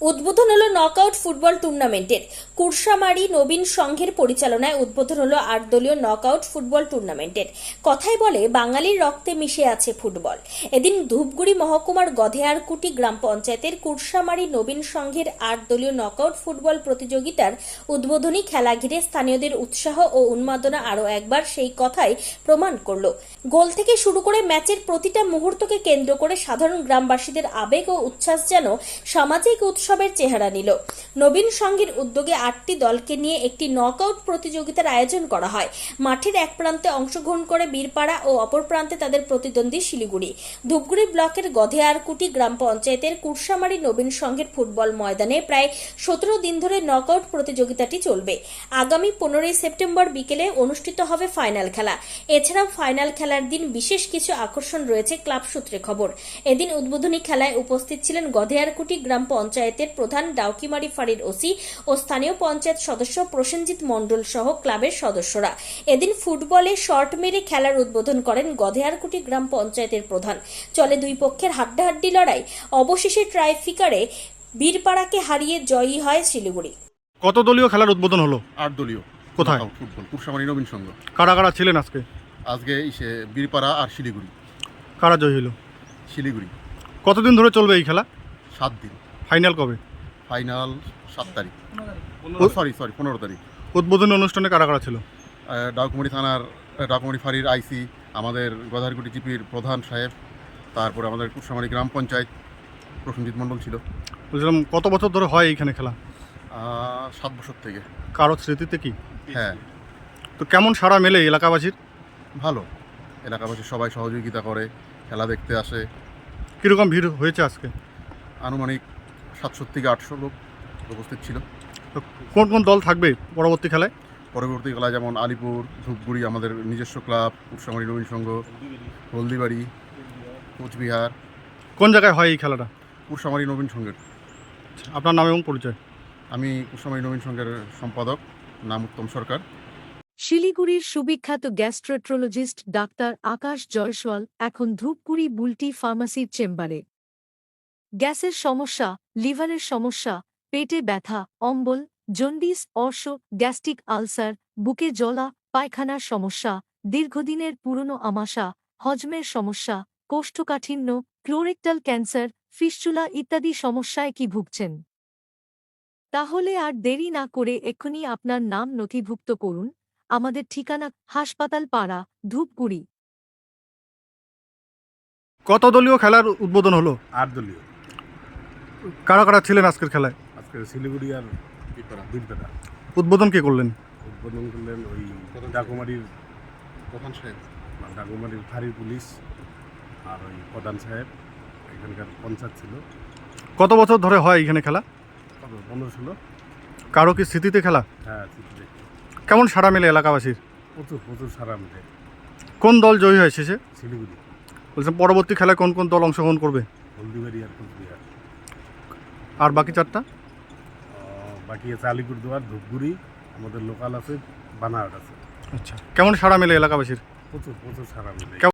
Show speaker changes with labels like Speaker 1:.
Speaker 1: উদ্বোধন হলো knockout football টুর্নামেন্টের। কুরসামারি নবীন সংঘের পরিচালনায় উদ্বোধন হলো ৮ দলীয় নকআউট ফুটবল টুর্নামেন্টের। কথাই বলে বাঙালির রক্তে মিশে আছে ফুটবল। এদিন ধূপগুড়ি মহকুমার গধেয়ারকুটি গ্রাম পঞ্চায়েতের কুরসামারি নবীন সংঘের ৮ দলীয় নকআউট ফুটবল প্রতিযোগিতার উদ্বোধনী খেলা ঘিরে স্থানীয়দের উৎসাহ ও উন্মাদনা আরও একবার সেই কথাই প্রমাণ করল। গোল থেকে শুরু করে ম্যাচের প্রতিটা মুহূর্তকে কেন্দ্র করে সাধারণ গ্রামবাসীদের আবেগ ও উচ্ছ্বাস যেন সামাজিক উৎসবের চেহারা নিল। নবীন সংঘের উদ্যোগে ৮টি দলকে নিয়ে একটি নকআউট প্রতিযোগিতার আয়োজন করা হয়। মাঠের এক প্রান্তে অংশগ্রহণ করে বীরপাড়া ও অপর প্রান্তে তাদের প্রতিদ্বন্দ্বী শিলিগুড়ি। ধূপগুড়ি ব্লকের গধেয়ারকুটি গ্রাম পঞ্চায়েতের কুরসামারি নবীন সংঘের ফুটবল ময়দানে প্রায় ১৭ দিন ধরে নকআউট প্রতিযোগিতাটি চলবে। আগামী ১৫ সেপ্টেম্বর বিকেলে অনুষ্ঠিত হবে ফাইনাল খেলা। এছাড়াও ফাইনাল খেলার দিন বিশেষ কিছু আকর্ষণ রয়েছে ক্লাব সূত্রে খবর। এদিন উদ্বোধনী খেলায় উপস্থিত ছিলেন গধেয়ারকুটি গ্রাম পঞ্চায়েতের প্রধান ডাউকিমারি ফাঁড়ির ওসি ও স্থানীয় পঞ্চায়েত সদস্য প্রসেনজিৎ মণ্ডল সহ ক্লাবের সদস্যরা। এদিন ফুটবলে শর্ট মেরে খেলার উদ্বোধন করেন গধেয়ারকুটি গ্রাম পঞ্চায়েতের প্রধান। চলে দুই পক্ষের হাড্ডাহাড্ডি লড়াই। অবশেষে ট্রাইফিকারে বীরপাড়াকে হারিয়ে জয়ী হয় শিলিগুড়ি।
Speaker 2: কত দলীয় খেলার উদ্বোধন হলো?
Speaker 3: ৮ দলীয়
Speaker 2: কোথায়?
Speaker 3: ফুটবল কুরসামারি নবীন সংঘ।
Speaker 2: কারা কারা ছিলেন আজকে?
Speaker 3: আজকে বীরপাড়া আর শিলিগুড়ি।
Speaker 2: কারা জয়ী হলো?
Speaker 3: শিলিগুড়ি।
Speaker 2: কতদিন ধরে চলবে এই খেলা?
Speaker 3: ৭ দিন।
Speaker 2: ফাইনাল কবে?
Speaker 3: ফাইনাল ৭ তারিখ, 15 তারিখ।
Speaker 2: উদ্বোধনী অনুষ্ঠানে কারা কারা ছিল?
Speaker 3: ডাকুমারি থানার ডাকুমারি ফাঁড়ির আইসি, আমাদের গধারকুটি জিপির প্রধান সাহেব, তারপরে আমাদের কুরসামারি গ্রাম পঞ্চায়েত প্রসেনজিৎ মণ্ডল ছিল।
Speaker 2: বলছিলাম কত বছর ধরে হয় এইখানে খেলা?
Speaker 3: ৭ বছর থেকে।
Speaker 2: কারো স্মৃতিতে কি?
Speaker 3: হ্যাঁ,
Speaker 2: তো কেমন সাড়া মেলে এলাকাবাসীর?
Speaker 3: ভালো। এলাকাবাসী সবাই সহযোগিতা করে, খেলা দেখতে আসে।
Speaker 2: কীরকম ভিড় হয়েছে আজকে?
Speaker 3: আনুমানিক ৭০০ থেকে ৮০০ লোক উপস্থিত ছিল।
Speaker 2: তো কোন কোন দল থাকবে পরবর্তী খেলায়?
Speaker 3: পরবর্তী খেলায় যেমন আলিপুর, ধূপগুড়ি, আমাদের নিজস্ব ক্লাব কুরসামারি নবীন সংঘ, হলদিবাড়ি, কোচবিহার।
Speaker 2: কোন জায়গায় হয় এই খেলাটা?
Speaker 3: কুরসামারি নবীন সংঘের।
Speaker 2: আপনার নাম এবং পরিচয়?
Speaker 3: আমি কুরসামারি নবীন সংঘের সম্পাদক, নাম উত্তম সরকার।
Speaker 4: শিলিগুড়ির সুবিখ্যাত গ্যাস্ট্রোন্ট্রোলজিস্ট ডাক্তার আকাশ জয়সওয়াল এখন ধূপগুড়ি বুলটি ফার্মাসির চেম্বারে। গ্যাসের সমস্যা, লিভারের সমস্যা, পেটে ব্যথা, অম্বল, জন্ডিস, অর্শ, গ্যাস্ট্রিক আলসার, বুকে জ্বলা, পায়খানার সমস্যা, দীর্ঘদিনের পুরনো আমাশা, হজমের সমস্যা, কোষ্ঠকাঠিন্য, ক্লোরেক্টাল ক্যান্সার, ফিস্চুলা ইত্যাদি সমস্যায় কি ভুগছেন? তাহলে আর দেরি না করে এক্ষুনি আপনার নাম নথিভুক্ত করুন। আমাদের ঠিকানা হাসপাতাল পাড়া, ধূপগুড়ি।
Speaker 2: কত দলীয় খেলার উদ্বোধন হলো?
Speaker 5: ৮ দলীয়।
Speaker 2: কারা কারা ছিলেন আজকের খেলায়?
Speaker 5: আজকে শিলিগুড়ি আর বীরপাড়া।
Speaker 2: উদ্বোধন কে করলেন?
Speaker 5: উদ্বোধন করলেন ওই ডাকুমারির
Speaker 3: প্রধান সাহেব,
Speaker 5: ডাকুমারির ফাঁড়ির পুলিশ আর ওই প্রধান সাহেব। এখানকার পঞ্চায়েত ছিল।
Speaker 2: কত বছর ধরে হয় এইখানে খেলা?
Speaker 5: 15-16।
Speaker 2: কারো কি স্মৃতিতে খেলা?
Speaker 5: হ্যাঁ, চিঠি দেখি।
Speaker 2: কেমন সাড়া মেলে এলাকাবাসীর?
Speaker 5: প্রচুর সারা মিলে।
Speaker 2: কোন দল জয়ী হয় শেষে?
Speaker 5: শিলিগুড়ি,
Speaker 2: বলছেন পরবর্তী খেলায় কোন কোন দল অংশগ্রহণ করবে?
Speaker 5: হলদিবাড়ি আর কোচবিহার।
Speaker 2: আর বাকি চারটা?
Speaker 5: বাকি আছে আলিপুরদুয়ার, ধূপগুড়ি, আমাদের লোকাল আছে, বানারট আছে।
Speaker 2: আচ্ছা, কেমন সাড়া মেলে এলাকাবাসীর?
Speaker 5: প্রচুর সারা মিলে।